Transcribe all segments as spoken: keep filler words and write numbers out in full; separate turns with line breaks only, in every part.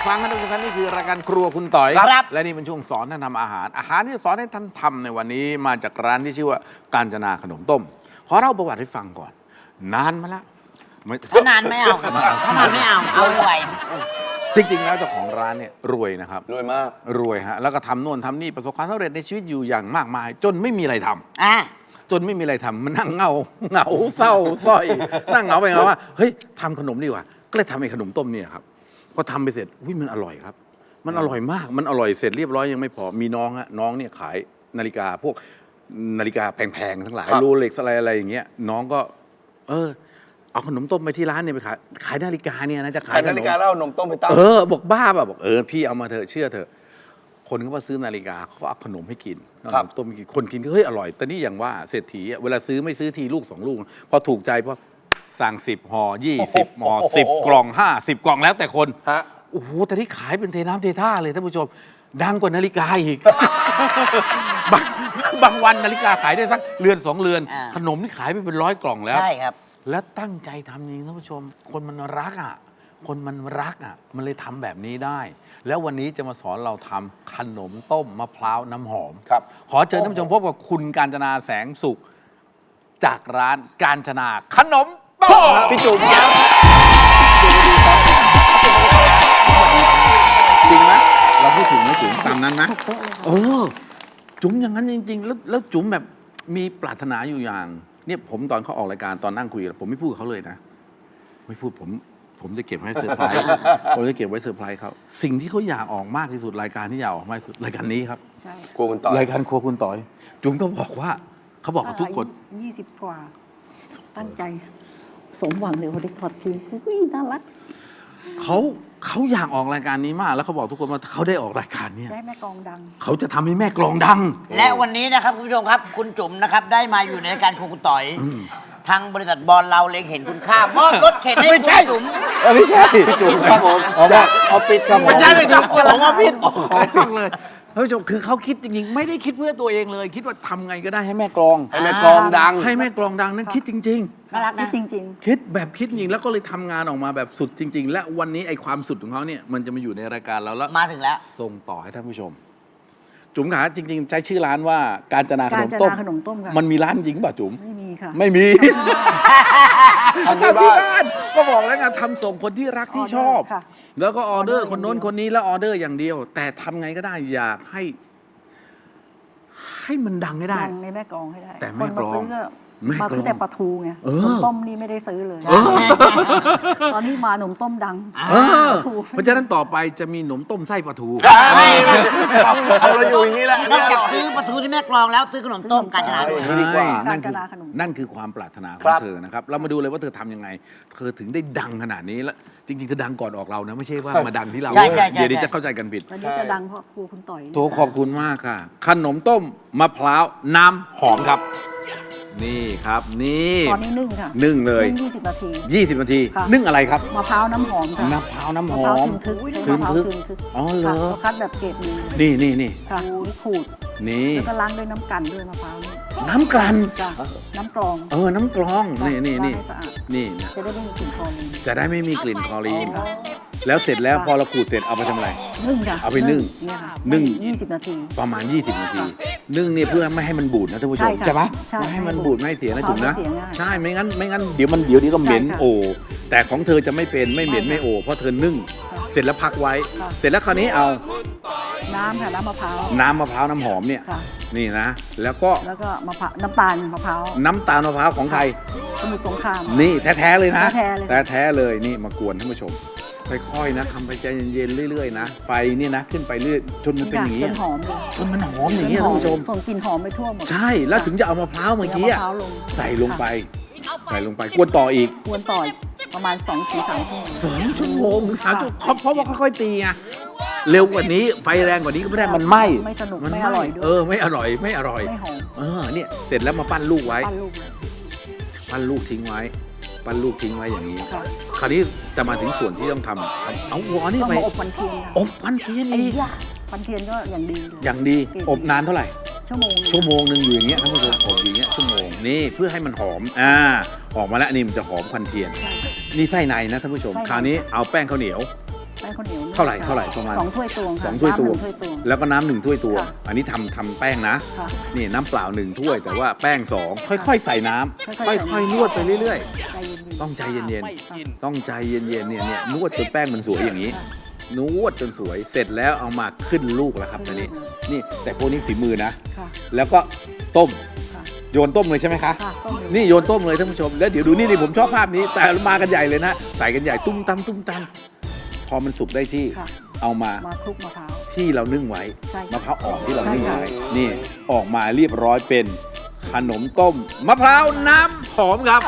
รั้งนะทุกท่านนี่คือรายการครัวคุณต่อย
ครับ
และนี่เป็นช่วงสอนท่านทำอาหาร อาหารที่สอนให้ท่านทำในวันนี้มาจากร้านที่ชื่อว่ากาญจนาขนมต้มขอเล่าประวัติให้ฟังก่อน นานมาแล้วไม่
ถ้านานไม่เอาครับถ้านานไม่เอาเอาไว
จริงๆแล้วเจ้าของร้านเนี่ยรวยนะครับ
รวยมาก
รวยฮะแล้วก็ทำโน่นทำนี่ประสบความสำเร็จในชีวิตอยู่อย่างมากมาย จนไม่มีอะไรทำ
อ่ะ
จนไม่มีอะไรทำมันนั่งเหงาเหงาเศร้าส้อย นั่งเหงาไปเหงาว่าเฮ้ยทำขนมดีกว่าก็เลยทำไอ้ขนมต้มเนี่ยครับพอทำไปเสร็จอุ้ยมันอร่อยครับ มันอร่อยมากมันอร่อยเสร็จเรียบร้อยยังไม่พอมีน้องฮะน้องเนี่ยขายนาฬิกาพวกนาฬิกาแพงๆทั้งหลาย
ครับ
โรเล็กซ์อะไรอะไรอย่างเงี้ยน้องก็ เออเอาขนมต้มไปที่ร้านเนี่ยไปขายขายนาฬิกาเนี่ยนะจะขา
ขาย ยนาฬิกาแล้วเอานมต้มไปตั้ง
เออบอกบ้าป่ะบอกเออพี่เอามาเถอะเชื่อเถอะคนก็มาซื้อนาฬิกาเขาก็เอาขนมให้กินเอาขนมต้มให้กินคนกินก็เฮ้ยอร่อยแต่นี่อย่างว่าเศรษฐีอะเวลาซื้อไม่ซื้อทีลูกสองลูกพอถูกใจพอสั่งสิบห่อยี่สิบห่อสิบกล่องห้าสิบกล่องแล้วแต่คน
ฮะ
โอ้โหแต่ที่ขายเป็นเทน้ำเทท่าเลยท่านผู้ชม ดังกว่านาฬิกาอีก บางบางวันนาฬิกาขายได้สักเรือนสองเรือน ขนมนี่ขายไปเป็นร้อยกล่องแล้ว
ใช่ครับ
แล้วตั้งใจทำจริงท่านผู้ชม คนมันรักอ่ะ คนมันรักอ่ะ มันเลยทำแบบนี้ได้ แล้ววันนี้จะมาสอนเราทำขนมต้มมะพร้าวน้ำหอม
ครับ
ขอเชิญท่านผู้ชมพบกับคุณกาญจนาแสงสุข จากร้านกาญจนาขนมต้มพี่จุ๋มครับจริงไหมเราพูดถึงไหมจุ๋มตามนั้นนะเออจุ๋มอย่างนั้นจริง ๆ แล้วแล้วจุ๋มแบบมีปรารถนาอยู่อย่าง เนี่ยผมตอนเขาออกรายการตอนนั่งคุยกันผมไม่พูดกับเขาเลยนะ ไม่พูดผมผมจะเก็บไว้เซอร์ไพรส์ผมจะเก็บไว้เซอร์ไพรส์เขาสิ่งที่เขาอยากออกมากที่สุดรายการที่อยากออกมากที่สุดรายการนี้ครับ
ใช่
ครัวคุณต่อย
รายการครัวคุณต่อย จุ๋มก็บอกว่าเขาบอกกับทุกคน
ยี่สิบกว่า ตั้งใจ สมหวังเลยวันนี้ถอดทีอุ้ยน่ารัก
เขาเขาอยากออกรายการนี้มาก แล้วเขาบอกทุกคนว่าเขาได้ออกรายการเนี้ย
ได้แม่กองดัง
เขาจะทำให้แม่กลองดัง
และวันนี้นะครับคุณผู้ชมครับคุณจุ๋มนะครับได้มาอยู่ในรายการครัวคุณต่อยทางบริษัทบอลเราเล็งเห็นคุณค่ามอบรถเข็นให้คุณจุ๋ม
ไม่ใช่พี่จุ๋มครับผมออกมาออฟฟิศครับผม
ไม่ใช่เลยครับของออฟฟิศ
ออฟฟิศเลยท่านผู้ชมคือเขาคิดจริงๆ ไม่ได้คิดเพื่อตัวเองเลย คิดว่าทำไงก็ได้ให้แม่กลอง
ให้แม่กลองดัง
ให้แม่กลองดังนั่นคิดจริง
น่ารัก
นี่
นะ
จริง
ๆ คิดแบบคิดจริงแล้วก็เลยทำงานออกมาแบบสุดจริง ๆ และวันนี้ไอ้ความสุดของเขาเนี่ยมันจะมาอยู่ในรายการเราแล้ว
มาถึงแล้ว
ส่งต่อให้ท่านผู้ชม จุ๋มขาจริง ๆ ใช้ชื่อร้านว่าการจนา
ๆ
ข
กาน ร
ม
จะ
ต้ม
นาขนมต้มค่ะ
มันมีร้านจริงป่ะจุ๋ม
ไม่มีค่ะ
ไม่มี
ทำที่บ้าน
ก็บอกแล้วไงทำส่งคนที่รักที่ชอบ
ค่ะ
แล้วก็ออเดอร์
ออเดอร์
คนโน้น
อย่างเดียว
คนนี้แล้วออเดอร์อย่างเดียว แต่ทำไงก็ได้อยากให้ ให้มันดังให้ได้
ดังในแม่กลองให้ได้
แต่
ค
แม่
น
กล
มา
อง
ซื้อก็
แม่กลอง
มาซื้อแต่ปลาทูไง
เออ
ขนมต้มนี่ไม่ได้ซื้อเลย
เออ
ตอนนี้มาขนมต้มดัง
เออเพราะฉะนั้นต่อไปจะมีหนมต้มไส้ปลาทู
ไม่เอาเราอยู่อย่างนี้แหละอัน
นอ
นี้
ก
อ
จาก
ร่อย
ซื้อปลาทูที่แม่กลองแล้วซื้อขนมต้มกาญจนา
ใช่
ใช่
ดีกว่า
นั่นคือ
การจนาขนม
นั่นคือความปรารถนาขอ
ครั
ง
บ
เธอนะครับ เรามาดูเลยว่าเธอทำยังไง เธอถึงได้ดังขนาดนี้แล้วจริงๆเธอดังก่อนออกเรานะไม่ใช่ว่ามาดังที่เรา
ใช่ใช่ใช่
เดี๋ยวนี้จะเข้าใจกันผิด
ตอนนี้จะดังเพราะครูคุณต่อย
โถขอบคุณมากค่ะ ขนมต้มมะพร้าวน้ำหอมครับ นี่ครับนี่
ตอนนี้นึ่งค่ะ
นึ่งเลย
นึ่งยี่สิบนาที
ยี่สิบ นาที
ค่ะ
นึ่งอะไรครับ
มะพร้าวน้ำหอมค่ะ
มะพร้าวน้ำห
มะ
อ
พร้าว
ม
ทึนทึกใช้มะพร้าว
ทึ
ทึ
น
น
ทึ
ทึ
ก
ก
อ๋อเหรอ
ค่ะเราคัดแบบเกรดดี
นี่นี่นี่
ค่ะนี่ขูด
นี่
แล้วก็ล้างด้วยน้ำกันด้วยมะพร้าวนี่
น้ำกลั่น
จ้ะน้ำกรอง
เออน้ำกรองนี่นี่
ล้าง
นี่
ให้สะอาด
นี่นะ
จะได้ไม่มีกลิ่นคลอรีน
จะได้ไม่มีกลิ่นคลอรีน
ค่ะ
แล้วเสร็จแล้วพอเราขูดเสร็จเอาไปทำอะไร
นึ่งค่ะ
เอาไปนึ่ง
เนี่ยค่ะ
นึ่ง
ยี่สิบนาที
ประมาณ ยี่สิบ นาที นึ่งเนี่ยเพื่อไม่ให้มันบูดนะท่านผู้ชม
ใช่ค่ะ
ปะ
ใช่
ไม่ให้มันบูดไม่ให้เสียนะจุ๋มนะ
มะพร้าวไม่เสียง่าย
ใช่ไม่งั้นไม่งั้นเดี๋ยวมันเดี๋ยวนี้ก็เหม็น
ใช่ค่ะ
โอแต่ของเธอจะไม่เป็นไม่เหม็น
ใช่ค่ะ
ไม่โอเพราะเธอนึ่ง
ค่ะ
เสร็จแล้วพักไว้
ค่ะ
เสร็จแล้วคราวนี้เอา
น้ำค่ะน้ำมะพร้าว
น้ำมะพร้าวน้ำหอมเนี่ย
ค่ะ
นี่นะ แล้วก็
แล้วก็มะพร้าวน้ำตาลมะพร้าว
น้ำตาลมะพร้าวของไทย
สมุทรสงคราม
นี่แท้ๆเลยนะ
แท้ๆเลย
แท้ๆเลยนี่มากวนท่านผู้ชมค่อยๆนะทำไปใจเย็นๆเรื่อยๆนะไฟเนี่ยนะขึ้นไปเรื่อยจนมันเป็นอย่าง
นี้
นี้
จนหอมเลย
จนมันหอมอย่างนี้ยท่านผู้ชม
ส่งกลิ่นหอมไปทั่วหมด
ใช่แล้วถึงจะเอามะพร้าวเมื่อกี้
เอา
อะ
มะพร้าวลง
ใส่ลงไปใส่ลงไปกวนต่ออีก
ควรต่อยประมาณสองถึงสามชั่วโมง
สองชั่วโมงสามชั่วโมงเพราะว่าค่อยๆตีไงเร็วกว่านี้ไฟแรงกว่านี้ก็ไม่ได้มันไหม้
ไม่สนุก
มัน
ไม่อร่อยด้วย
เออไม่อร่อยไม่อร่อย
ไม่หอม
เออเนี่ยเสร็จแล้วมาปั้นลูกไว้
ปั้นลูกเลย
ปั้นลูกทิ้งไว้ ปั้นลูกทิ้งไว้อย่างนี้
ค่ะ
คราวนี้จะมาถึงส่วนที่ต้องทำทำเอาหัวนี่
ต้อง
ไป
มาอบควันเทียนค่ะ
อบควันเทียน
ไอ้
อีก
ยาควันเทียนก็อย่างดีเลย
อย่างดีอบนานเท่าไหร่
ชั่วโมงหนึ่ง
ชั่วโมงหนึ่งอยู่อย่างเงี้ยท่านผู้ชมอบอยู่อย่างเงี้ยชั่วโมงนี่เพื่อให้มันหอมอ่าออกมาแล้วนี่มันจะหอมควันเทียน
ใช่
นี่ไส้ในนะท่านผู้ชม
ไส้ใน
คราวนี้เอาแป้งข้าวเหนียว
แป้ช้ข้าวเหนียว
เท่าไหร่เท่าไหร่ประมาณ
สองถ้วยตวงค่ะ
สองถ้วยตวง
น้ำหนึ่งถ้วยตวง
แล้วก็น้ำหนึ่งถ้วยตวง
ค่ะ
อันนี้ทำทำแป้งนะ
ค่ะ
นี่น้ำเปล่าหนึ่งถ้วย แต่ว่าแป้งสองค่อยๆ ใส่น้ำ
ค่อยๆ
ค่อยๆนวดไปเรื่อย
ใจเย็น
ๆ ต้องใจเย็น
ๆค่ะ
ๆ ต้องใจเย็นๆเนี่ยเนี่ยนวดจนแป้งมันสวยอย่างนี้ นวดจนสวยเสร็จแล้วเอามาขึ้นลูกแล้วครับตอนนี้นี่แต่พวกนี้ฝีมือนะ
ค่ะ
แล้วก็ต้ม
ค่ะ
โยนต้มเลยใช่ไหมคะ
ค่ะต้มเลย
นี่โยนต้มเลยท่านผู้ชม แล้วเดี๋ยวดูนี่นี่ผมชอบภาพนี้ แต่มากันใหญ่เลยนะ ใส่กันใหญ่ตุ้มตำตุ้มตำพอมันสุกได้ที่
ค่ะ
เอามา
มาคลุกมะพร้าว
ที่เรานึ่งไว้
ใช่
มะพร้าวอ่อนที่เรานึ่ง
ใช่
ไว้
ค่ะ
นี่ออกมาเรียบร้อยเป็นขนมต้มมะพร้าวน้ำหอมครับ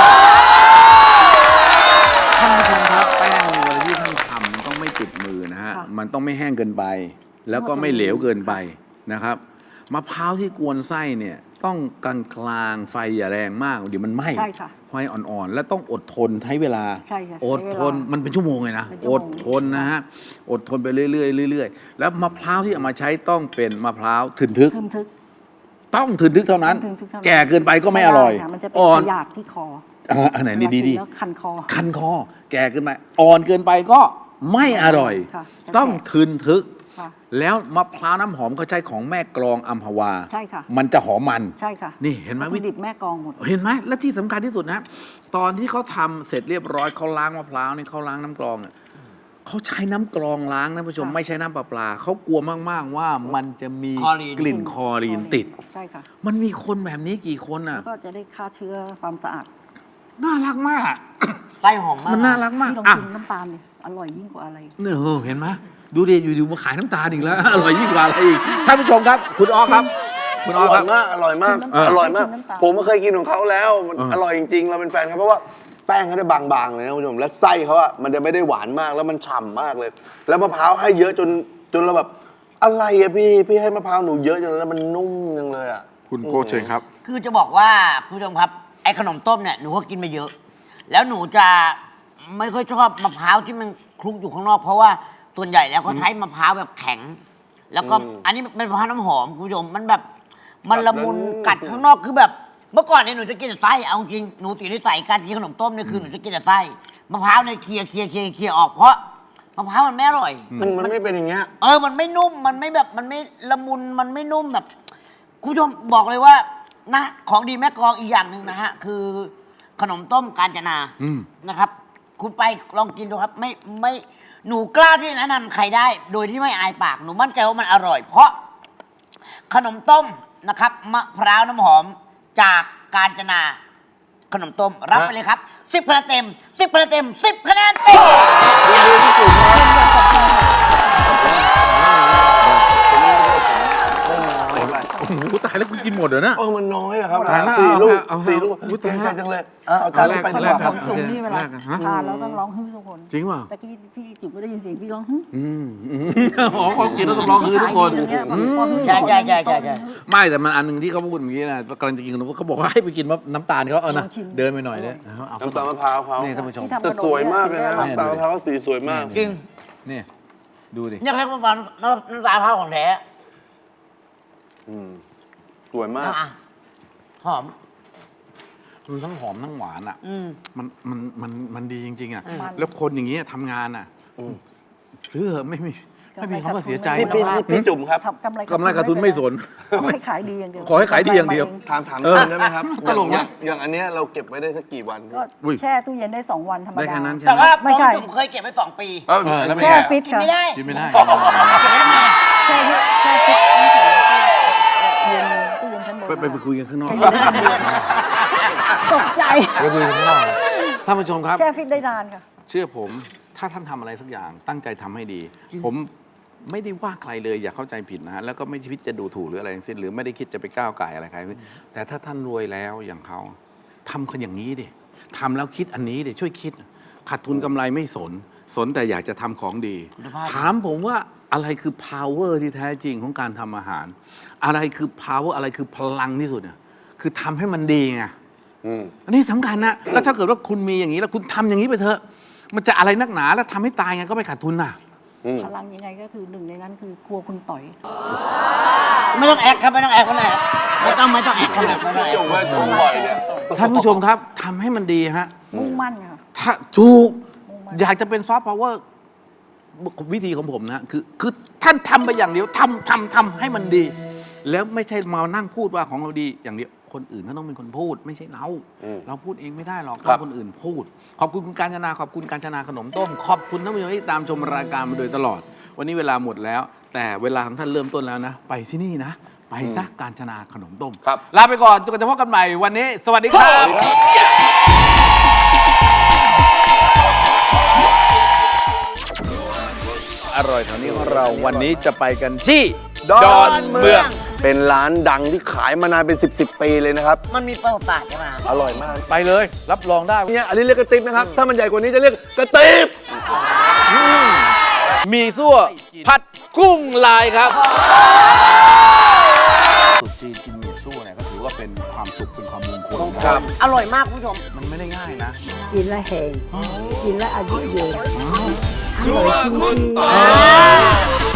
ท่านผู้ชมครับแป้งในเวลาที่ท่านทำมันต้องไม่ติดมือนะฮะ
ค่ะ
มันต้องไม่แห้งเกินไป แล้วก็ไม่เหลวเกินไปนะครับมะพร้าวที่กวนไส้เนี่ยต้องกลางกลางๆไฟอย่าแรงมากเดี๋ยวมันไหม้
ใช่ค่ะ
ไฟอ่อนๆ และต้องอดทนใช้เวลา
ใช่ค่ะ
อด
ใช้เวลา
ทนมันเป็นชั่วโมงเลยนะ
เป็นชั่
อ
ว
ด
โมง
ทนนะฮะอดทนไปเรื่อยๆเรื่อยๆแล้วมะพร้าวที่เอามาใช้ต้องเป็นมะพร้าวถึนทึก
ทึมทึก
ต้องถึนทึกเท่านั้น
ทึมทึกเท่านั้น
แก่เกินไปก็ไม่อร่อย
ด้ค่ะมันจะเป็น
อ่อน
ขยาดที่คอ
อ่าอันไหนนี่ดี
เวลากินแล้วคันคอ
ๆคันคอ แก่เกินไปอ่อนเกินไปก็ไม่อร่อย
ค่ะจะ
ต้อง
แก่
ถึนทึก
ค่ะ
แล้วมะพร้าวน้ำหอมเขาใช้ของแม่กลองอัมพวา
ใช่ค่ะ
มันจะหอมมัน
ใช่ค่ะ
นี่เห็นไหม
วัตถุดิบแม่กองหมด
เห็นไหมและที่สำคัญที่สุดนะ ตอนที่เขาทำเสร็จเรียบร้อยเขาล้างมะพร้าวนี่เขาล้างน้ำกรองเนี่ยเขาใช้น้ำกรองล้างนะผู้ชม
ค่ะ
ไม่ใช่น้ำประปลาเขากลัวมากๆว่ามันจะมี
คลอรีน
กลิ่นคลอรีนติด
ใช่ค่ะ
มันมีคนแบบนี้กี่คนอ่ะ
ก็จะได้ฆ่าเชื้อความสะอาด
น่ารักมาก
ไส้หอมมาก
มันน่ารักมาก
ที่ลอง
อ่ะ
กินน้ำตาลเนี่ยอร่อยยิ่งกว่าอะไร
เนี่ยเออเห็นไหมดูดิอยู่ๆมาขายน้ำตาลอีกแล้ว อร่อยยิ่งกว่าอะไรอีกท่านผู้ชมครับ คุณออฟครับ คุณอ
อ
อฟ
ร่
ค
อ
รั
ย
บ
มาก อร่อยมาก
เออ
อร่อยมาก
ชิมน้ำตาล
ผมก็เคยกินของเขาแล้ว มัน
เออ
อร่อยจริงๆ เราเป็นแฟนเขาเพราะว่าแป้งเขาได้บางๆเลยนะคุณผู้ชม และไส้เขาอะมันจะไม่ได้หวานมาก แล้วมันฉ่ำมากเลย แล้วมะพร้าวให้เยอะจนจนเราแบบ อะไรอะพี่ พี่ให้มะพร้าวหนูเยอะจนแล้วมันนุ่มจังเลยอะ
คุณโก้เชิญครับ
คือจะบอกว่าคุณผู้ชมครับไอ้ขนมต้มเนี่ยหนูก็กินมาเยอะ แล้วหนูจะไม่ค่อยชอบมะพร้าวที่มันคลุกอยู่ข้างนอก เพราะว่าส่วนใหญ่แล้วเขาใช้มะพร้าวแบบแข็ง แล้วก็
อืม
อันนี้เป็นมะพร้าวน้ำหอมคุณผู้ชมมันแบบมันละมุน
แบบนั้น
กัดข้างนอกคือแบบ เมื่อก่อนเนี่ยหนูจะกินแต่ไส้เอาจริงหนูติดนิสัยการกินขนมต้มเนี่ยคือหนูจะกินแต่ไส้มะพร้าวเนี่ยเคลียร์เคลียร์เคลียร์เคลียร์ออกเพราะมะพร้าวมันไม่อร่อย
มันมันไม่เป็นอย่างเงี้ย
เออ มันไม่นุ่ม มันไม่แบบ มันไม่ละมุน มันไม่นุ่มแบบ คุณผู้ชมบอกเลยว่า นะ ของดีแม่กลองอีกอย่างหนึ่งนะฮะ คือขนมต้มกาญจนา
อืม
นะครับ คุณไปลองกินดูครับ ไม่ ไม่ หนูกล้าที่จะแนะนำใครได้ โดยที่ไม่อายปาก หนูมั่นใจว่ามันอร่อย เพราะขนมต้มนะครับ มะพร้าวน้ำหอมจากกาญจนา ขนมต้ม รับไปเลยครับสิบคะแนนเต็มสิบคะแนนเต็มสิบคะแนนเต็ม
โอ้โหตายแล้วคุณกินหมดเหรอนะ
เออ มันน้อยอะครับ
ตายแล้ว
สี่ลูก
เอาเอา
สี่ลูก
เอา
เก่งใจ
เอา
จังเลยเอาเอาจานนี้ไป
เอา
ดี
แร
ก
ก
ว่า
เอาแรก
ครับ
จุ๋มนี่เวลา
แรกอะฮะ
ทานแล้วต้องร้องฮึ่ทุกคน
จริงเปล่า
ตะกี้พี่จุ๋มก็ได้ยินเสียงพี่ร้องฮึ่
อืมอืมอ๋อเขากินแล้วต้องร้องคือทุกคน
ขายดีอย่างเงี้ย
อืม
พอฮึ่
ใช่ใช่ใช่ใช่ใช่
ไม่แต่มันอันหนึ่งที่เขาพูดเมื่อกี้นะกำลังจะกินขนมเขาบอกว่าให้ไปกินมะน้ำตาลเขาเอานะ
ลองชิม
เดินไปหน่อยเนี่ยเอาเอา
น้ำตาลมะพร้าวเขา
นี่ท่านผู้ชม
ที่ทำ
แต่สวยมากเลยนะ
เนี่ย
น้ำตาลมะพร้าวสีสวยมาก
จริง
นี่ดูดิ
เนี่ยเรียกว่าน้ำน้ำน้ำตาลมะพร้าวของแท้
อืมสวยมาก
อ่ะหอม
มันทั้งหอมทั้งหวานอ่ะ
อืม
มันมันมันมันดีจริง ๆ อ่ะ
อืม
แล้วคนอย่างเงี้ยทำงานอ่ะซื้อเถอะไม่มีไม่มีคำว่าเสียใจ
พี่พี่พี่พี่จุ๋มครับ
ทำกำไร
กำไรขาดทุนไม่สน
ขอให้ขายดีอย่างเดียว
ขอให้ขายดีอย่างเดียว
ถามถาม
เออ
คุณได้ไหมครับ
ตลก
อ
นะ
ย่างอย่างอันเนี้ยเราเก็บไว้ได้สักกี่วัน
ก็
อุ้ย
แช่ตู้เย็นได้สองวันธรรม
ได้
ดา
แค่นั้นแค่
แต่
นั้น
ว่า
ไม่
น้อง
ใช่
จุ๋มเคยเก็บไว้สองปี
เออ
เออแล้วเป็น
แช่
ไง
ฟิต
กิน
ค่ะ
ไม่ได้
กินไม่ได้
แช่ฟิตแช่ฟิตไม่ใส่เย็นตู้เย็นชั้นบน
ไปไปไปคุยกันข้างนอก
ตกใจ
ไปคุยกันข้างนอกท่านผู้ชมครับ
แช่ฟิตได้นานค่ะ
เชื่อผมถ้าท่านทำอะไรสักอย่างตั้งใจทำให้ดี ผมไม่ได้ว่าใครเลยอย่าเข้าใจผิดนะฮะแล้วก็ไม่คิดจะดูถูกหรืออะไรทั้งสิ้นหรือไม่ได้คิดจะไปก้าวไก่อะไรใครแต่ถ้าท่านรวยแล้วอย่างเขาทำคนอย่างนี้ดิทำแล้วคิดอันนี้ดิช่วยคิดขาดทุนกำไรไม่สน สนแต่อยากจะทำของดี
คุณภาพ
ถามผมว่าอะไรคือ power ที่แท้จริงของการทำอาหาร อะไรคือ power อะไรคือพลังที่สุดเนี่ยคือทำให้มันดีไง
อืม
อันนี้สำคัญนะ แล้วถ้าเกิดว่าคุณมีอย่างนี้แล้วคุณทำอย่างนี้ไปเถอะ มันจะอะไรนักหนาแล้วทำให้ตายไงก็ไม่ขาดทุนน่ะ
อืม
พลังยังไงก็คือหนึ่งในนั้นคือครัวคุณต่อย
ไม่ต้องแอคครับไม่ต้องแอคไม่ต้องแอคไม่ต้องไม่ต้องแอคครับไม่ต้องแอค
จุ๋มว่าจุ๋มบ่อยเนี่ย
ท่านผู้ชมครับทำให้มันดีฮะ
มุ่งมั่นค่ะ
ถ้าถูก
มุ่งมั่น
อยากจะเป็นซอฟต์พาวเวอร์วิธีของผมนะคือคือท่านทำไปอย่างเดียวทำทำทำให้มันดี แล้วไม่ใช่มานั่งพูดว่าของเราดีอย่างเดียวคนอื่นเขาต้องเป็นคนพูด ไม่ใช่เรา เราพูดเองไม่ได้หรอกต้องคนอื่นพูด ขอบคุณคุณการจนาขอบคุณการจนาขนมต้มขอบคุณท่านผู้ชมที่ตามชมรายการมาโดยตลอด วันนี้เวลาหมดแล้ว แต่เวลาของท่านเริ่มต้นแล้วนะ ไปที่นี่นะ ไปซะการจนาขนมต้ม
ครับ
ลาไปก่อนจนกว่าจะพบกันใหม่วันนี้ สวัสดีครับ อร่อยแถวนี้ของเราวันนี้จะไปกันที่
ดอนเมือง เป็นร้านดังที่ขายมานานเป็นสิบสิบปีเลยนะครับ
มันมีประวัติศาสตร์ใช่ไหม
อร่อยมาก
ไปเลย รับรองได้
เนี่ยอันนี้เรียกกระติบนะครับ ถ้ามันใหญ่กว่านี้จะเรียกกระติบ
มีซั่วผัดกุ้งลายครับสุดจีนกินหมี่ซั่วเนี่ยก็ถือว่าเป็นความสุขเป็นความมงคลนะครับ
อร่อยมากคุณผู้ชม
มันไม่ได้ง่ายนะ
กินแล้วแหงกินแล้วอายุยืนอร่อยจริงๆ